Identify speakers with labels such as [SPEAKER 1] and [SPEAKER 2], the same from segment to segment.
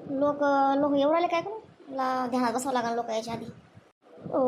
[SPEAKER 1] लोक लोक येऊ राहिले काय करू ध्यानात बसावं लागणार लोक याच्या आधी. ओ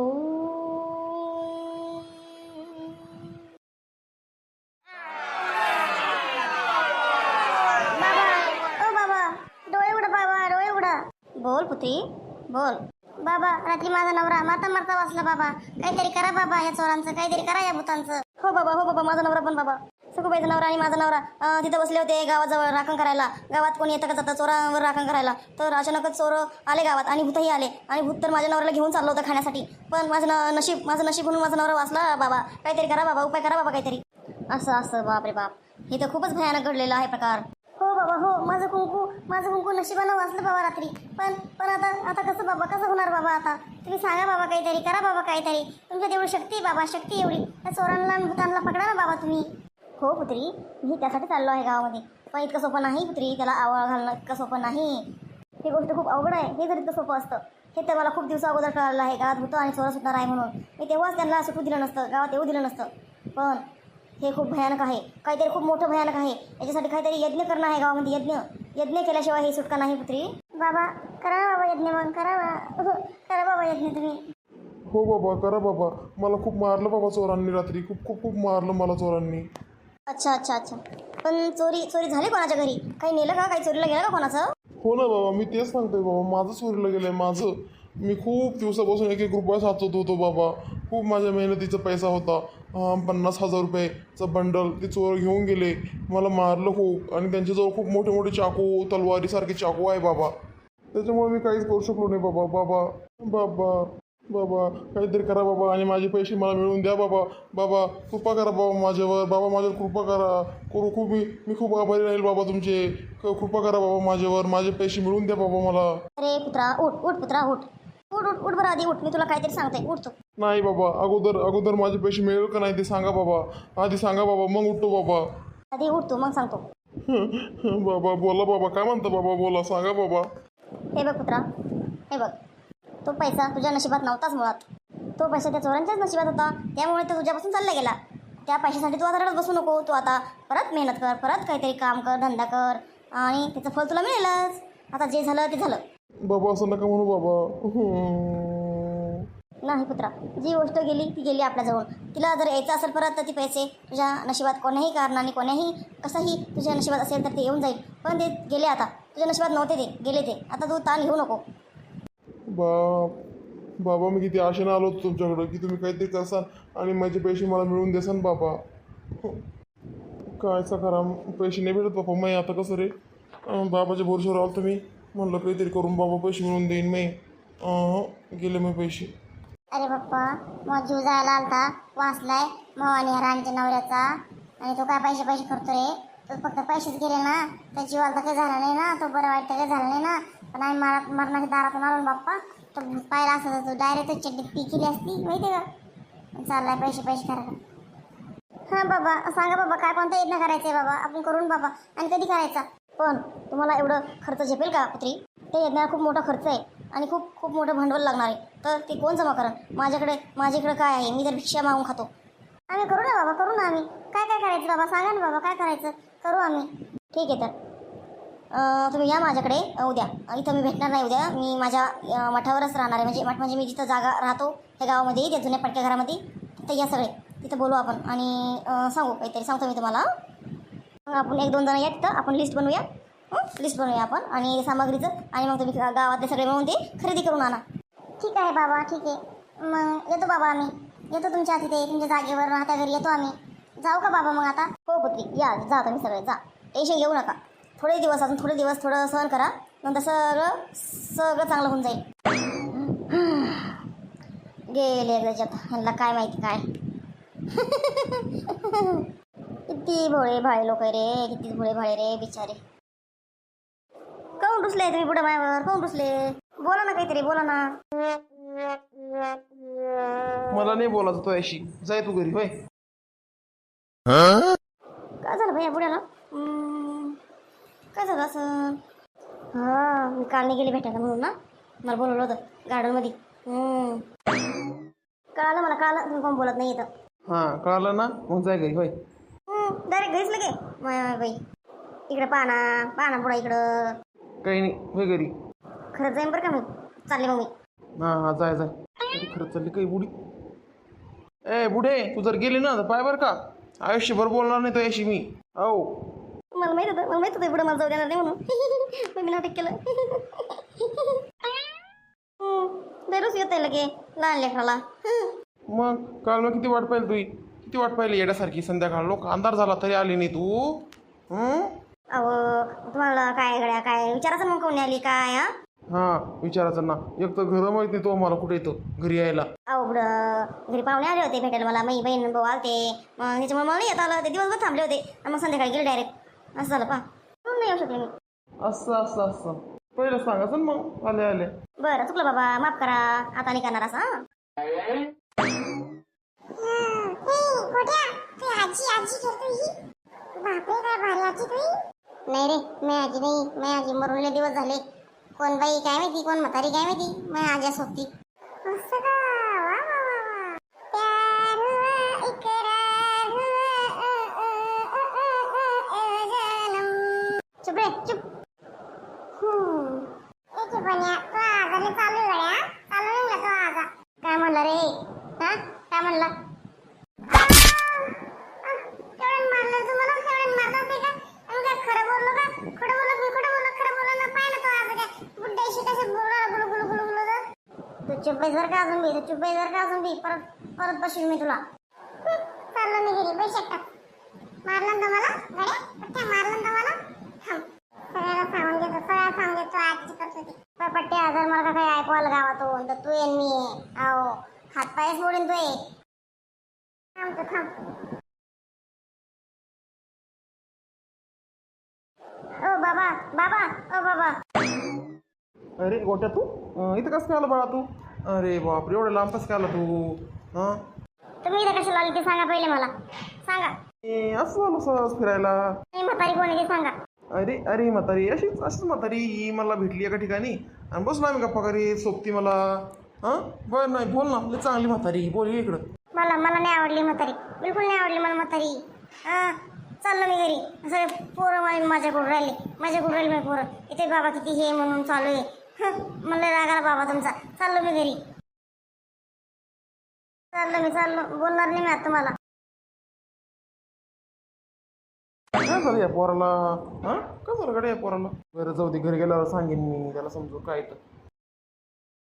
[SPEAKER 1] बाबा, ओ बाबा, डोळे उघडा बाबा, डोळे उघडा. बोल पुत्री बोल. बाबा, रात्री माझा नवरा मारता मारता वाचला बाबा. काहीतरी करा बाबा या चोरांचं, काहीतरी करा या भूतांचं. हो बाबा, माझा नवरा पण बाबा. सखूबाईचा नवरा आणि माझा नवरा तिथं बसले होते गावाजवळ राखण करायला. गावात कोणी येतं का जातं चोरांवर राखण करायला. तर अचानकच चोर आले गावात आणि भूतही आले. आणि भूत तर माझ्या नवऱ्याला घेऊन चाललं होतं खाण्यासाठी. पण माझं नशीब म्हणून माझा नवरा वाचला बाबा. काहीतरी करा बाबा, उपाय करा बाबा काहीतरी. असं बाप रे बाप, हे तर खूपच भयानक घडलेलं आहे प्रकार. हो बाबा हो, माझं कुंकू नशिबानं वाचलं बाबा रात्री. पण आता कसं बाबा, कसं होणार बाबा आता. तुम्ही सांगा बाबा, काहीतरी करा बाबा काहीतरी. तुमच्यात एवढी शक्ती आहे बाबा, शक्ती एवढी. त्या चोरांना आणि भूतांना पकडा ना बाबा तुम्ही. हो पुत्री, मी त्यासाठी चाललो आहे गावामध्ये. पण इतकं सोपं नाही पुत्री, त्याला आवळ घालणं इतकं सोपं नाही. ही गोष्ट खूप अवघड आहे. हे जर इतकं सोपं असतं, हे तर मला खूप दिवसा अगोदर कळालं आहे. गावात भूतं आणि चोर सुटणार आहे म्हणून. मी तेव्हाच त्यांना सुटू दिलं नसतं, गावात येऊ दिलं नसतं. पण हे खूप भयानक आहे, काहीतरी खूप मोठं भयानक आहे. याच्यासाठी काहीतरी यज्ञ करणं आहे गावामध्ये. यज्ञ केल्याशिवाय हे सुटका नाही पुत्री. बाबा करा ना बाबा यज्ञ, मग करा ना. करा बाबा यज्ञ तुम्ही.
[SPEAKER 2] हो बाबा, करा बाबा. मला खूप मारलं बाबा चोरांनी रात्री. खूप खूप खूप मारलं मला चोरांनी.
[SPEAKER 1] अच्छा. पण चोरी झाली कोणाच्या घरी? काही नेलं का? काही चोरीला गेलं का कोणाचं?
[SPEAKER 2] हो ना बाबा, मी तेच सांगतोय बाबा. माझं चोरीला गेलं आहे माझं. मी खूप दिवसापासून एक रुपया साचवत होतो बाबा. खूप माझ्या मेहनतीचा पैसा होता. 50,000 रुपयेचा बंडल ते चोर घेऊन गेले. मला मारलं खूप. आणि त्यांच्याजवळ खूप मोठे मोठे चाकू, तलवारीसारखे चाकू आहे बाबा. त्याच्यामुळे मी काहीच करू शकलो नाही बाबा. बाबा काहीतरी करा बाबा. आणि माझे पैसे मला मिळवून द्या बाबा. बाबा कृपा करा बाबा माझ्यावर. बाबा माझ्यावर कृपा करा. मी खूप आभारी राहील बाबा तुमचे. कृपा करा बाबा माझ्यावर. माझे पैसे मिळवून द्या बाबा मला.
[SPEAKER 1] अरे पुत्रा, उठ पुत्रा, उठ बरं आधी उठ. मी तुला काहीतरी सांगते, उठ तू.
[SPEAKER 2] नाही बाबा, अगोदर माझे पैसे मिळेल का नाही ते सांगा बाबा. आधी सांगा बाबा, मग उठतो बाबा.
[SPEAKER 1] आधी उठ तू, मग सांगतो.
[SPEAKER 2] बाबा बोला बाबा, काय म्हणता बाबा, बोला, सांगा बाबा.
[SPEAKER 1] हे बघ पुत्रा, हे बघ. तो पैसा तुझ्या नशिबात नव्हताच मुळात. तो पैसा त्या चोरांच्याच नशिबात होता. त्यामुळे तो तुझ्यापासून चालला गेला. त्या पैशासाठी तू आता रडत बसू नको. तू आता परत मेहनत कर, परत काहीतरी काम कर, धंदा कर, आणि त्याचं फळ तुला मिळेलच. आता जे झालं ते झालं.
[SPEAKER 2] बाबा असं नका म्हणू बाबा.
[SPEAKER 1] नाही पुत्रा, जी गोष्ट गेली ती गेली आपल्याजवळ. तिला जर यायचं असेल परत तर ती पैसे तुझ्या नशिबात कोण्याही कारणाने, कोण्याही कसंही तुझ्या नशिबात असेल तर ते येऊन जाईल. पण ते गेले आता. तुझ्या नशिबात नव्हते, ते गेले ते. आता तू ताण घेऊ नको.
[SPEAKER 2] बाबा मी किती आशेनं आलो होतो तुमच्याकडं की तुम्ही काहीतरी करसाल आणि माझे पैसे मला मिळवून देसान बाबा. कायचा खरा पैसे नाही भेटत बाबा. मी आता कसं रे, बाबाच्या भरोश्यावर आलो तुम्ही. म्हणलं काहीतरी करून बाबा पैसे मिळवून देईन मी. गेले मग पैसे.
[SPEAKER 1] अरे पप्पा, मग जीव जायला आलता, वाचलाय भवानी हरांच्या नवऱ्याचा. आणि तो काय पैसे करतो रे. तो फक्त पैसेच गेले ना, त्या जीवाला तर काही झालं नाही ना. तो बरं वाईट काही झालं नाही ना. पण आम्ही मरणाच्या दारातून आलो ना बाप्पा. तो पाहिला असता तर तो डायरेक्ट चड्डीत पी केली असती, माहिती आहे का. चाललाय पैसे करायला. हां बाबा सांगा बाबा, काय कोणता यज्ञ करायचं आहे बाबा. आपण करून बाबा. आणि कधी करायचा. पण तुम्हाला एवढं खर्च झेपेल का पुत्री? ते यज्ञाला खूप मोठा खर्च आहे. आणि खूप मोठं भांडवल लागणार आहे. तर ते कोण जमा करण? माझ्याकडे काय आहे? मी जर भिक्षा मागून खातो. आम्ही करू ना बाबा, करू ना आम्ही. काय करायचं बाबा, सांगा ना बाबा, काय करायचं, करू आम्ही. ठीक आहे तर तुम्ही या माझ्याकडे उद्या. इथं मी भेटणार नाही उद्या. मी माझ्या मठावरच राहणार आहे. म्हणजे मी जिथं जागा राहतो त्या गावामध्ये, त्या जुन्या पडक्या घरामध्ये. तिथं या सगळे, तिथं बोलू आपण. आणि काहीतरी सांगतो मी तुम्हाला. आपण 1-2 जण या तिथं. आपण लिस्ट बनवूया आपण आणि सामग्रीचं. आणि मग तुम्ही गावातले सगळे मिळून ते खरेदी करून आणा. ठीक आहे बाबा, ठीक आहे. मग येतो बाबा आम्ही. येतो तुमच्या तिथे, तुमच्या जागेवर राहत्या घरी येतो आम्ही. जाऊ का बाबा मग आता? हो पुत्री, जा तुम्ही सगळे जा. टेन्शन घेऊ नका. अजून थोडे दिवस थोडं सहन करा. नंतर सगळं चांगलं होऊन जाईल. गेले त्याच्यात, ह्यांना काय माहिती काय. किती भोळे भाळे लोक रे, किती भोळे भाळे रे बिचारे. काऊन रुसले तुम्ही पुढे माझ्यावर? काऊन रुसले? बोला ना काहीतरी, बोला ना.
[SPEAKER 3] मला नाही बोलायचं तो अशी. जाय तू घरी. होय
[SPEAKER 1] काय झालं भैया पुढ्याला? काय झालं असं? हां, मी काल नाही गेली भेटायला म्हणून ना. मला बोलवलं होतं गार्डनमध्ये. कळालं मला, कळालं तुम्ही कोण बोलत नाही येतं.
[SPEAKER 3] हां कळालं ना, मग जाय घरी. होय
[SPEAKER 1] डायरेक्ट घरीच लगे. बाई इकडे पाना पुढा इकडं.
[SPEAKER 3] काही नाही, होय घरी.
[SPEAKER 1] खरंच जाईन बरं का मी. चालले मग मी.
[SPEAKER 3] हां जाय जाय. अरे खरंच चालली काही बुडी. ए बुढे तू जर गेली ना तर पाय बरं का आयुष्यभर बोलणार नाही तो याशी मी. हो
[SPEAKER 1] मला माहित होतं पुढे मला जाऊ देणार नाही म्हणून. मग मी नाटक केलं. दररोज येत आहे लगे लहान लेकराला.
[SPEAKER 3] मग काल मग किती वाट पाहिली तुही किती वाट पाहिली येण्यासारखी संध्याकाळ लोक अंधार झाला तरी आली नाही तू.
[SPEAKER 1] अहो तुम्हाला काय गड्या काय विचारायचं मग कोणी आली काय हा.
[SPEAKER 3] हां विचारायचं ना एक तर घरं माहित नाही तो मला कुठे येतो घरी यायला.
[SPEAKER 1] अहो बुडं घरी पाहुणे आले होते भेटायला मला. माझी बहीण भाऊ आलते. मग त्याच्यामुळे मला नाही येत आलं. ते दिवसभर थांबले होते आणि मग संध्याकाळी गेले डायरेक्ट. असं झालं पा म्हणून नाही येऊ शकले मी.
[SPEAKER 3] असं पहिलं सांगायचं ना मग आले आले.
[SPEAKER 1] बरं चुकलं बाबा माफ करा. आता नाही करणार असं. नाही रे मी आजी नाही. मी आजी मरून दिवस झाले. कोण बाई काय माहिती कोण म्हातारी काय माहिती. मी आजी सोबती. चुप रे चुप. काय म्हणला रे हा काय म्हणला. तू चुप जर का अजून बी चुप जर का अजून बी परत बशील मी तुला. चाललो मी घरी पैसे टाक. मारलं ना मला गड्या मारलं ना मला. सगळ्याला सांगून देतो आजची करत होती. पट्टे हजार मला काही ऐकू आलं गावातून तर तू येईन मी. अहो हात पायच मोडीन तू. थांब. ओ बाबा ओ बाबा.
[SPEAKER 3] अरे गोट्या तू इथं कसं काय आला बाळा तू. अरे बापरे एवढं लांब कसं काय आला तू. हां
[SPEAKER 1] तुम्ही इथं कशाला आली ते सांगा पहिले मला सांगा.
[SPEAKER 3] असं झालं सहज फिरायला.
[SPEAKER 1] मी म्हातारी कोण आहे ते सांगा.
[SPEAKER 3] अरे म्हातारी अशीच म्हातारी ही मला भेटली एका ठिकाणी आणि बसलो आम्ही गप्पा करीत सोबती मला. हां बरं नाही बोल ना आपली चांगली म्हातारी बोल इकडं.
[SPEAKER 1] मला नाही आवडली म्हातारी. बिलकुल नाही आवडली मला म्हातारी. हां चाललो मी घरी. सगळे पोरं माझ्याकडून राहिले माझे पोरं. इथे बाबा किती हे म्हणून चालू आहे. मला रागाला बाबा तुमचा. चाललो मी घरी. चाललो बोलणार नाही मी आता तुम्हाला.
[SPEAKER 3] काय झालं या पोराला. हां काय झालं गड्या या पोराला. बरं जाऊ दे घरी गेल्यावर सांगेन मी त्याला समजू काय तर.